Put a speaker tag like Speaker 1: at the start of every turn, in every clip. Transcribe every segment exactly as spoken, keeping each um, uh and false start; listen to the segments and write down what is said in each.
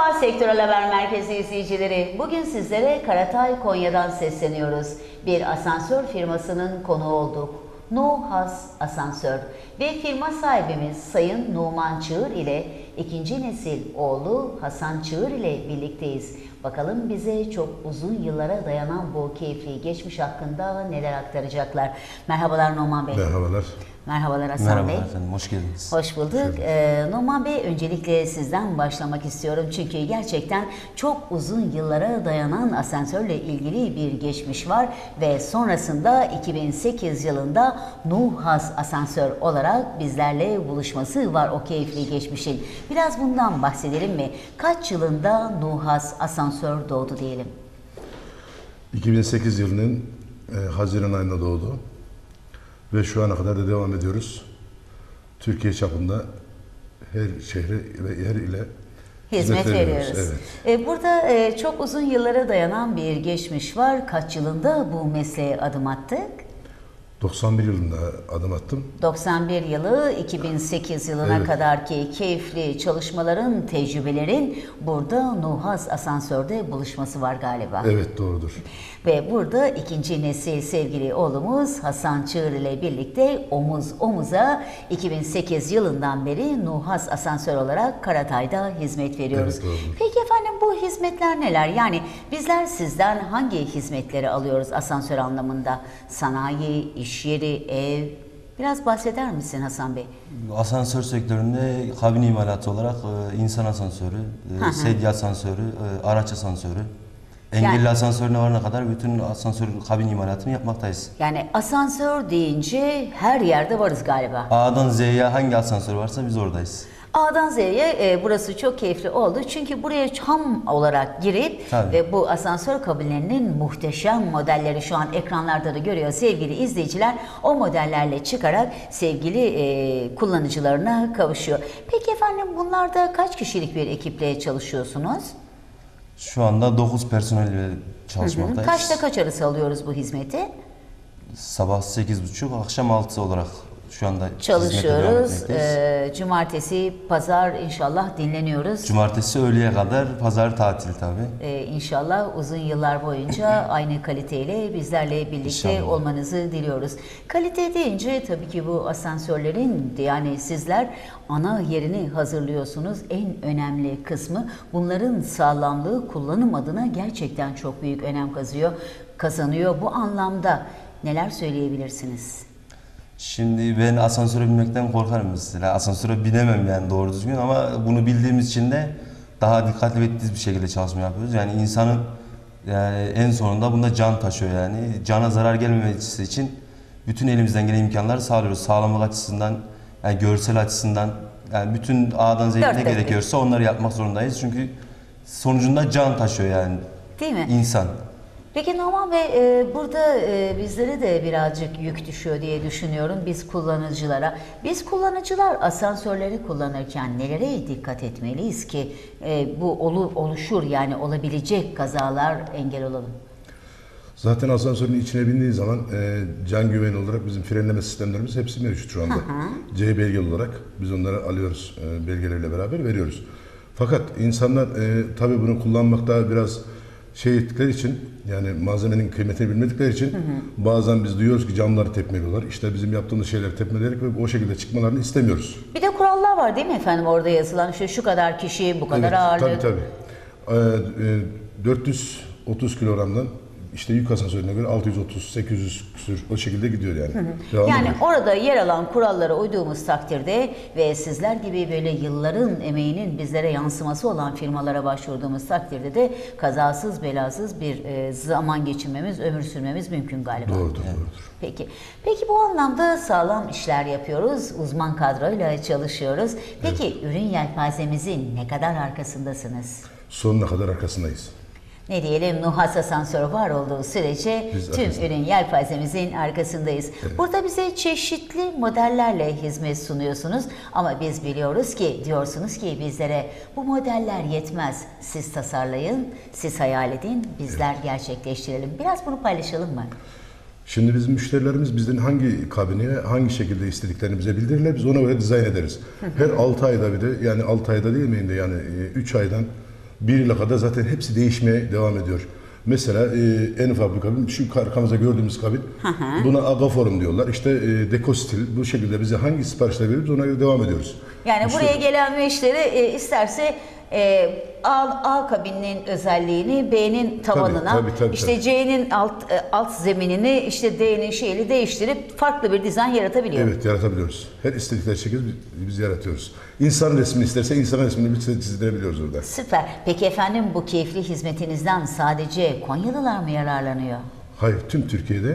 Speaker 1: Merhaba Sektörel Haber Merkezi izleyicileri. Bugün sizlere Karatay Konya'dan sesleniyoruz. Bir asansör firmasının konuğu olduk. Nuhas Asansör ve firma sahibimiz Sayın Numan Çığır ile ikinci nesil oğlu Hasan Çığır ile birlikteyiz. Bakalım bize çok uzun yıllara dayanan bu keyifli geçmiş hakkında neler aktaracaklar. Merhabalar Numan Bey.
Speaker 2: Merhabalar.
Speaker 1: Merhabalar Hasan
Speaker 3: Merhaba
Speaker 1: Bey.
Speaker 3: efendim, hoş geldiniz.
Speaker 1: Hoş bulduk. Ee, Numan Bey, öncelikle sizden başlamak istiyorum. Çünkü gerçekten çok uzun yıllara dayanan asansörle ilgili bir geçmiş var. Ve sonrasında iki bin sekiz yılında Nuhas Asansör olarak bizlerle buluşması var o keyifli geçmişin. Biraz bundan bahsedelim mi? Kaç yılında Nuhas Asansör doğdu diyelim?
Speaker 2: iki bin sekiz yılının e, Haziran ayında doğdu. Ve şu ana kadar da devam ediyoruz. Türkiye çapında her şehre ve yer ile
Speaker 1: hizmet, hizmet veriyoruz.
Speaker 2: veriyoruz.
Speaker 1: Evet. Burada e, çok uzun yıllara dayanan bir geçmiş var. Kaç yılında bu mesleğe adım attık?
Speaker 2: doksan bir yılında adım attım.
Speaker 1: doksan bir yılı iki bin sekiz yılına
Speaker 2: Evet.
Speaker 1: kadar ki keyifli çalışmaların, tecrübelerin burada Nuhas Asansör'de buluşması var galiba.
Speaker 2: Evet, doğrudur.
Speaker 1: Ve burada ikinci nesil sevgili oğlumuz Hasan Çığır ile birlikte omuz omuza iki bin sekiz yılından beri Nuhas Asansör olarak Karatay'da hizmet veriyoruz.
Speaker 2: Evet, doğrudur.
Speaker 1: Peki efendim, bu hizmetler neler? Yani bizler sizden hangi hizmetleri alıyoruz asansör anlamında? Sanayi, iş yeri, ev... Biraz bahseder misin Hasan Bey?
Speaker 3: Asansör sektöründe kabin imalatı olarak e, insan asansörü, e, sedye asansörü, e, araç asansörü, engelli
Speaker 1: Yani-
Speaker 3: asansörüne varana kadar bütün asansör kabin imalatını yapmaktayız.
Speaker 1: Yani asansör deyince her yerde varız galiba.
Speaker 3: A'dan Z'ye hangi asansör varsa biz oradayız.
Speaker 1: A'dan Z'ye e, burası çok keyifli oldu. Çünkü buraya ham olarak girip
Speaker 3: Tabii.
Speaker 1: ve bu asansör kabinlerinin muhteşem modelleri şu an ekranlarda da görüyor sevgili izleyiciler. O modellerle çıkarak sevgili e, kullanıcılarına kavuşuyor. Peki efendim, bunlarda kaç kişilik bir ekiple çalışıyorsunuz?
Speaker 3: Şu anda dokuz personelle çalışmaktayız.
Speaker 1: Kaçta kaç arası alıyoruz bu hizmeti?
Speaker 3: Sabah sekiz buçuk, akşam altı olarak şu anda hizmete devam
Speaker 1: Çalışıyoruz.
Speaker 3: etmekteyiz.
Speaker 1: E, cumartesi, pazar inşallah dinleniyoruz.
Speaker 3: Cumartesi öğleye kadar, pazar tatil tabii.
Speaker 1: Ee, inşallah uzun yıllar boyunca aynı kaliteyle bizlerle birlikte
Speaker 3: İnşallah.
Speaker 1: olmanızı diliyoruz. Kalite deyince tabii ki bu asansörlerin, yani sizler ana yerini hazırlıyorsunuz. En önemli kısmı bunların sağlamlığı, kullanım adına gerçekten çok büyük önem kazıyor, kazanıyor. Bu anlamda neler söyleyebilirsiniz?
Speaker 3: Şimdi ben asansöre binmekten korkarım mesela. Asansöre binemem yani doğru düzgün, ama bunu bildiğimiz için de daha dikkatli ve titiz bir şekilde çalışma yapıyoruz. Yani insanın yani en sonunda bunda can taşıyor yani. Cana zarar gelmemesi için bütün elimizden gelen imkanları sağlıyoruz. Sağlamlık açısından, yani görsel açısından, yani bütün A'dan Z'ye
Speaker 1: Dört
Speaker 3: ne
Speaker 1: dörtlük.
Speaker 3: gerekiyorsa onları yapmak zorundayız. Çünkü sonucunda can taşıyor yani
Speaker 1: Değil mi?
Speaker 3: insan.
Speaker 1: Peki Numan Bey, e, burada e, bizlere de birazcık yük düşüyor diye düşünüyorum biz kullanıcılara. Biz kullanıcılar asansörleri kullanırken nelere dikkat etmeliyiz ki e, bu olu, oluşur, yani olabilecek kazalar engel olalım?
Speaker 2: Zaten asansörün içine bindiği zaman e, can güveni olarak bizim frenleme sistemlerimiz hepsi mevcut şu anda. C belgeli olarak biz onları alıyoruz, e, belgeleriyle beraber veriyoruz. Fakat insanlar e, tabii bunu kullanmakta biraz şey ettikleri için, yani malzemenin kıymetini bilmedikleri için, hı hı, bazen biz duyuyoruz ki camları tepmeliyorlar. İşte bizim yaptığımız şeyleri tepmeleyerek ve o şekilde çıkmalarını istemiyoruz.
Speaker 1: Bir de kurallar var değil mi efendim, orada yazılan işte şu kadar kişi, bu kadar
Speaker 2: Evet,
Speaker 1: ağırlık.
Speaker 2: tabii tabii. Ee, e, dört yüz otuz kilogramdan işte yük asansörüne göre altı yüz otuz sekiz yüz küsür o şekilde gidiyor yani. Devamlı
Speaker 1: Yani
Speaker 2: gidiyor.
Speaker 1: orada yer alan kurallara uyduğumuz takdirde ve sizler gibi böyle yılların emeğinin bizlere yansıması olan firmalara başvurduğumuz takdirde de kazasız belasız bir e, zaman geçirmemiz, ömür sürmemiz mümkün galiba.
Speaker 2: Doğrudur, doğrudur.
Speaker 1: Peki. Peki bu anlamda sağlam işler yapıyoruz, uzman kadroyla çalışıyoruz. Peki ürün yelpazemizin ne kadar arkasındasınız?
Speaker 2: Sonuna kadar arkasındayız.
Speaker 1: Ne diyelim, Nuhas Asansör var olduğu sürece
Speaker 2: Biz
Speaker 1: tüm
Speaker 2: arkasında.
Speaker 1: ürün yelpazemizin arkasındayız.
Speaker 2: Evet.
Speaker 1: Burada bize çeşitli modellerle hizmet sunuyorsunuz ama biz biliyoruz ki, diyorsunuz ki bizlere bu modeller yetmez. Siz tasarlayın, siz hayal edin, bizler gerçekleştirelim. Biraz bunu paylaşalım mı?
Speaker 2: Şimdi bizim müşterilerimiz bizden hangi kabini hangi şekilde istediklerini bize bildirirler. Biz ona göre dizayn ederiz. Her altı ayda bir de, yani altı ayda değil miyim de, yani üç aydan bir yıla kadar zaten hepsi değişmeye devam ediyor. Mesela e, en ufak bir kabin, şu arkamızda gördüğümüz kabin, buna agaforum diyorlar. İşte e, dekostil, bu şekilde bize hangi siparişler veririz ona göre devam ediyoruz.
Speaker 1: Yani
Speaker 2: İşte-
Speaker 1: buraya gelen müşteri e, isterse e, A, A kabininin özelliğini B'nin tavanına,
Speaker 2: tabii, tabii,
Speaker 1: işte
Speaker 2: tabii.
Speaker 1: C'nin alt e, alt zeminini, işte D'nin şeyini değiştirip farklı bir dizayn yaratabiliyor.
Speaker 2: Evet, yaratabiliyoruz. Her istedikleri şekilde biz, biz yaratıyoruz. İnsan resmini isterse insan resmini biz çizdirebiliyoruz orada.
Speaker 1: Süper. Peki efendim, bu keyifli hizmetinizden sadece Konyalılar mı yararlanıyor?
Speaker 2: Hayır, tüm Türkiye'de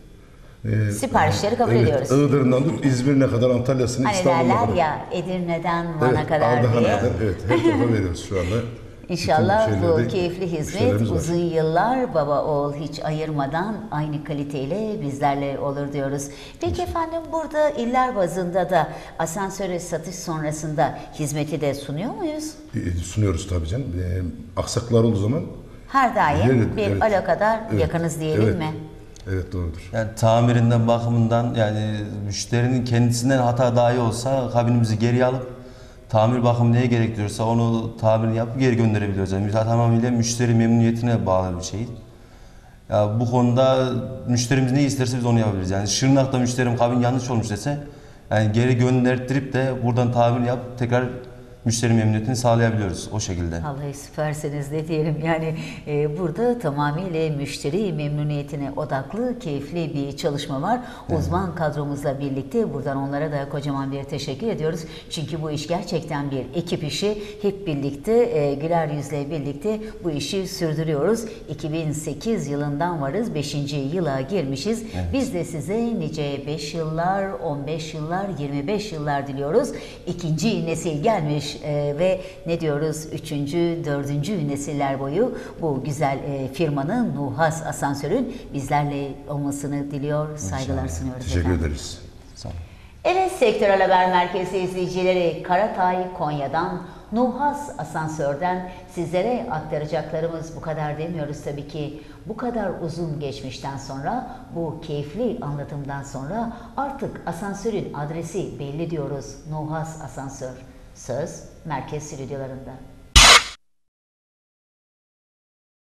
Speaker 2: e,
Speaker 1: Siparişleri kabul
Speaker 2: evet,
Speaker 1: ediyoruz.
Speaker 2: Iğdır'ından tut İzmir'ine kadar, Antalya'sına,
Speaker 1: Hani
Speaker 2: İstanbul'a
Speaker 1: derler
Speaker 2: kadar.
Speaker 1: ya, Edirne'den Van'a
Speaker 2: Evet,
Speaker 1: kadar
Speaker 2: Ardahan'a
Speaker 1: diye.
Speaker 2: kadar, evet, her tarafa veriyoruz şu anda.
Speaker 1: İnşallah
Speaker 2: Bütün
Speaker 1: bu
Speaker 2: şeylerde
Speaker 1: keyifli hizmet
Speaker 2: müşterilerimiz var.
Speaker 1: uzun yıllar baba oğul hiç ayırmadan aynı kaliteyle bizlerle olur diyoruz. Peki efendim, burada iller bazında da asansöre satış sonrasında hizmeti de sunuyor muyuz?
Speaker 2: E, sunuyoruz tabii canım. E, aksaklar olduğu zaman
Speaker 1: Her daim
Speaker 2: Evet,
Speaker 1: bir
Speaker 2: evet.
Speaker 1: alakadar
Speaker 2: Evet,
Speaker 1: yakınız diyelim
Speaker 2: evet.
Speaker 1: mi?
Speaker 2: Evet, doğrudur.
Speaker 3: Yani tamirinden, bakımından, yani müşterinin kendisinden hata dahi olsa kabinimizi geriye alıp tamir bakım neye gerektiriyorsa onu tamir yapıp geri gönderebiliyoruz. Yani tamamıyla müşteri memnuniyetine bağlı bir şey. Ya bu konuda müşterimiz ne isterse biz onu yapabiliriz. Yani Şırnak'ta müşterim kabin yanlış olmuş dese, yani geri gönderttirip de buradan tamir yap tekrar müşteri memnuniyetini sağlayabiliyoruz o şekilde.
Speaker 1: Vallahi süpersiniz ne diyelim. Yani e, burada tamamıyla müşteri memnuniyetine odaklı, keyifli bir çalışma var. Uzman kadromuzla birlikte buradan onlara da kocaman bir teşekkür ediyoruz. Çünkü bu iş gerçekten bir ekip işi. Hep birlikte e, güler yüzle birlikte bu işi sürdürüyoruz. iki bin sekiz yılından varız. beşinci yıla girmişiz.
Speaker 3: Evet.
Speaker 1: Biz de size nice beş yıllar, on beş yıllar, yirmi beş yıllar diliyoruz. İkinci nesil gelmiş e, ve ne diyoruz? Üçüncü, dördüncü nesiller boyu bu güzel e, firmanın, Nuhas Asansör'ün bizlerle olmasını diliyor, saygılar sunuyoruz
Speaker 2: Teşekkür
Speaker 1: efendim.
Speaker 2: ederiz.
Speaker 3: Sağ olun.
Speaker 1: Evet, Sektörel Haber Merkezi izleyicileri, Karatay Konya'dan, Nuhas Asansör'den sizlere aktaracaklarımız bu kadar demiyoruz tabii ki. Bu kadar uzun geçmişten sonra, bu keyifli anlatımdan sonra artık asansörün adresi belli diyoruz. Nuhas Asansör. Söz merkez stüdyolarında.